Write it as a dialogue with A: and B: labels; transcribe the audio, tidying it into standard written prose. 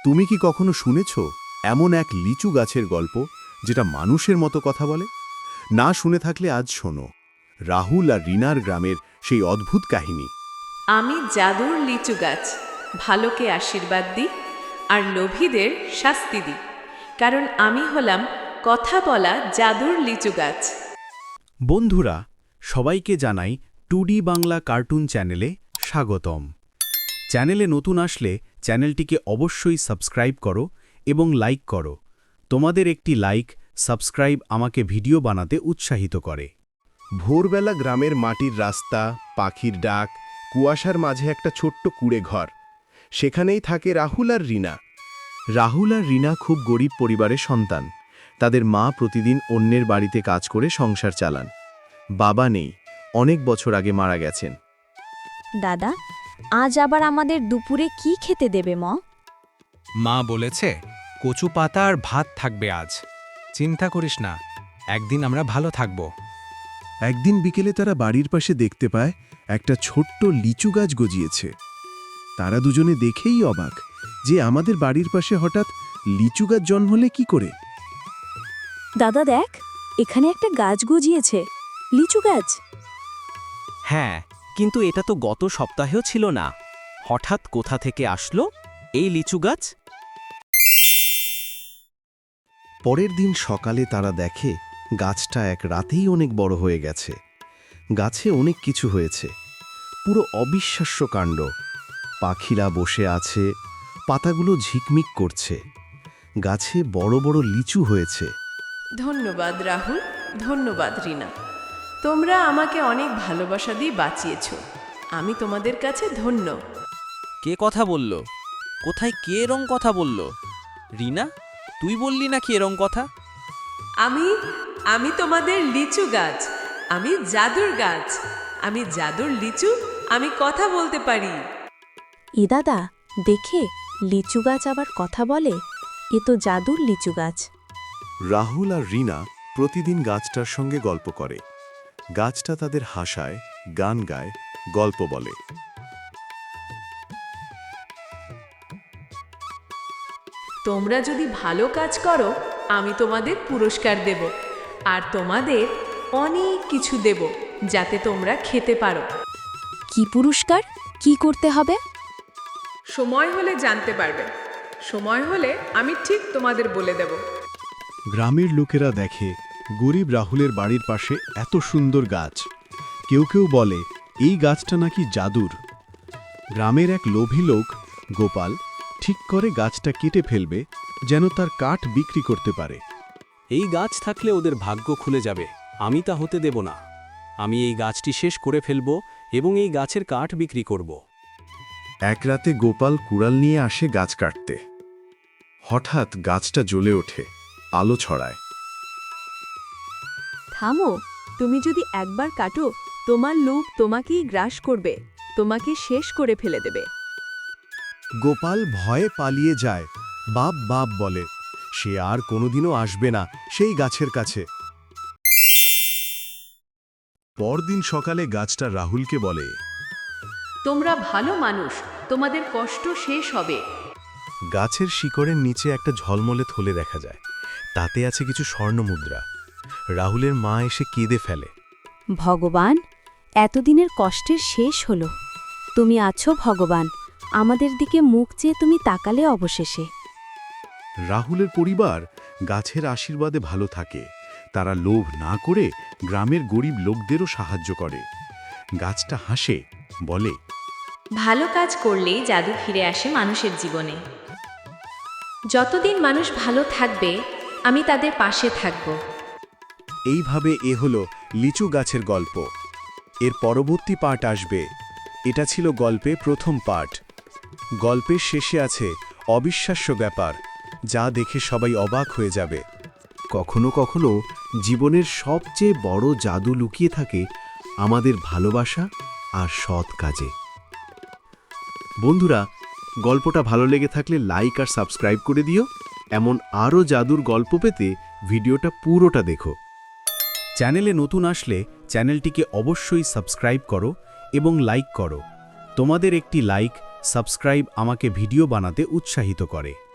A: তুমি কি কখনো শুনেছ এমন এক লিচু গাছের গল্প যেটা মানুষের মতো কথা বলে? না শুনে থাকলে আজ শোনো রাহুল আর রিনার গ্রামের সেই অদ্ভুত কাহিনী।
B: আমি জাদুর লিচু গাছ, ভালোকে আশীর্বাদ দিই আর লোভীদের শাস্তি দিই, কারণ আমি হলাম কথা বলা জাদুর লিচু গাছ।
C: বন্ধুরা, সবাইকে জানাই 2D বাংলা কার্টুন চ্যানেলে স্বাগতম। চ্যানেলে নতুন আসলে চ্যানেলটিকে অবশ্যই সাবস্ক্রাইব করো এবং লাইক করো। তোমাদের একটি লাইক, সাবস্ক্রাইব আমাকে ভিডিও বানাতে উৎসাহিত করে।
A: ভোরবেলা গ্রামের মাটির রাস্তা, পাখির ডাক, কুয়াশার মাঝে একটা ছোট্ট কুঁড়ে ঘর। সেখানেই থাকে রাহুল আর রিনা। রাহুল আর রিনা খুব গরিব পরিবারের সন্তান। তাদের মা প্রতিদিন অন্যের বাড়িতে কাজ করে সংসার চালান। বাবা নেই, অনেক বছর আগে মারা গেছেন।
D: দাদা, আজ আবার আমাদের দুপুরে কি খেতে দেবে ম?
E: মা বলেছে কচু পাতা আর ভাত থাকবে আজ। চিন্তা করিস না, একদিন আমরা ভালো থাকব।
A: একদিন বিকেলে তারা বাড়ির পাশে দেখতে পায় একটা ছোট্ট লিচু গাছ গজিয়েছে। তারা দুজনে দেখেই অবাক যে আমাদের বাড়ির পাশে হঠাৎ লিচু গাছ জন্মলে কি করে।
D: দাদা দেখ, এখানে একটা গাছ গজিয়েছে, লিচু গাছ।
F: হ্যাঁ, কিন্তু এটা তো গত সপ্তাহেও ছিল না। হঠাৎ কোথা থেকে আসলো এই লিচু গাছ?
A: পরের দিন সকালে তারা দেখে গাছটা এক রাতেই অনেক বড় হয়ে গেছে। গাছে অনেক কিছু হয়েছে, পুরো অবিশ্বাস্য কাণ্ড। পাখিরা বসে আছে, পাতাগুলো ঝিকমিক করছে। গাছে বড় বড় লিচু হয়েছে।
B: ধন্যবাদ রাহুল, ধন্যবাদ রিনা। তোমরা আমাকে অনেক ভালোবাসা দিয়ে বাঁচিয়েছ। আমি তোমাদের কাছে ধন্য।
F: কে কথা বলল? কোথায় কে এরম কথা বলল? রিনা, তুই বললি নাকি এরম কথা?
B: আমি তোমাদের লিচু গাছ, আমি জাদুর গাছ, আমি জাদুর লিচু, আমি কথা বলতে পারি।
D: এ দাদা, দেখে লিচু গাছ আবার কথা বলে। এ তো জাদুর লিচু গাছ।
A: রাহুল আর রিনা প্রতিদিন গাছটার সঙ্গে গল্প করে। গাছটা তাদের হাসায়, গান গায়, গল্প বলে।
B: তোমরা যদি ভালো কাজ করো, আমি তোমাদের পুরস্কার দেব, আর তোমাদের অনেক কিছু দেব যাতে তোমরা খেতে পারো।
D: কি পুরস্কার? কি করতে হবে?
B: সময় হলে জানতে পারবে। সময় হলে আমি ঠিক তোমাদের বলে দেব।
A: গ্রামের লোকেরা দেখে গরিব রাহুলের বাড়ির পাশে এত সুন্দর গাছ। কেউ কেউ বলে এই গাছটা নাকি জাদুর। গ্রামের এক লোভী লোক গোপাল ঠিক করে গাছটা কেটে ফেলবে, যেন তার কাঠ বিক্রি করতে পারে।
C: এই গাছ থাকলে ওদের ভাগ্য খুলে যাবে। আমি তা হতে দেব না। আমি এই গাছটি শেষ করে ফেলব এবং এই গাছের কাঠ বিক্রি করব।
A: এক রাতে গোপাল কুড়াল নিয়ে আসে গাছ কাটতে। হঠাৎ গাছটা জ্বলে ওঠে, আলো ছড়ায়।
G: থামো, তুমি যদি একবার কাটো, তোমার লোভ তোমাকেই গ্রাস করবে, তোমাকে শেষ করে ফেলে দেবে।
A: গোপাল ভয়ে পালিয়ে যায়, বাপ বাপ বলে। সে আর কোনোদিনও আসবে না সেই গাছের কাছে। পরদিন সকালে গাছটা রাহুলকে বলে,
B: তোমরা ভালো মানুষ, তোমাদের কষ্ট শেষ হবে।
A: গাছের শিকড়ের নিচে একটা ঝলমলে থলে দেখা যায়। তাতে আছে কিছু স্বর্ণমুদ্রা। রাহুলের মা এসে কেঁদে ফেলে।
D: ভগবান, এতদিনের কষ্টের শেষ হলো। তুমি আছো ভগবান, আমাদের দিকে মুখ চেয়ে তুমি তাকালে অবশেষে।
A: রাহুলের পরিবার গাছের আশীর্বাদে ভালো থাকে। তারা লোভ না করে গ্রামের গরিব লোকদেরও সাহায্য করে। গাছটা হাসে, বলে,
H: ভালো কাজ করলেই জাদু ফিরে আসে মানুষের জীবনে। যতদিন মানুষ ভালো থাকবে, আমি তাদের পাশে থাকব।
A: এইভাবে এ হলো লিচু গাছের গল্প। এর পরবর্তী পার্ট আসবে। এটা ছিল গল্পে প্রথম পার্ট। গল্পের শেষে আছে অবিশ্বাস্য ব্যাপার, যা দেখে সবাই অবাক হয়ে যাবে। কখনো কখনো জীবনের সবচেয়ে বড় জাদু লুকিয়ে থাকে আমাদের ভালোবাসা আর সৎ কাজে। বন্ধুরা, গল্পটা ভালো লেগে থাকলে লাইক আর সাবস্ক্রাইব করে দিও। এমন আরও জাদুর গল্প পেতে ভিডিওটা পুরোটা দেখো।
C: চ্যানেলে নতুন আসলে চ্যানেলটিকে অবশ্যই সাবস্ক্রাইব করো এবং লাইক করো। তোমাদের একটি লাইক, সাবস্ক্রাইব আমাকে ভিডিও বানাতে উৎসাহিত করে।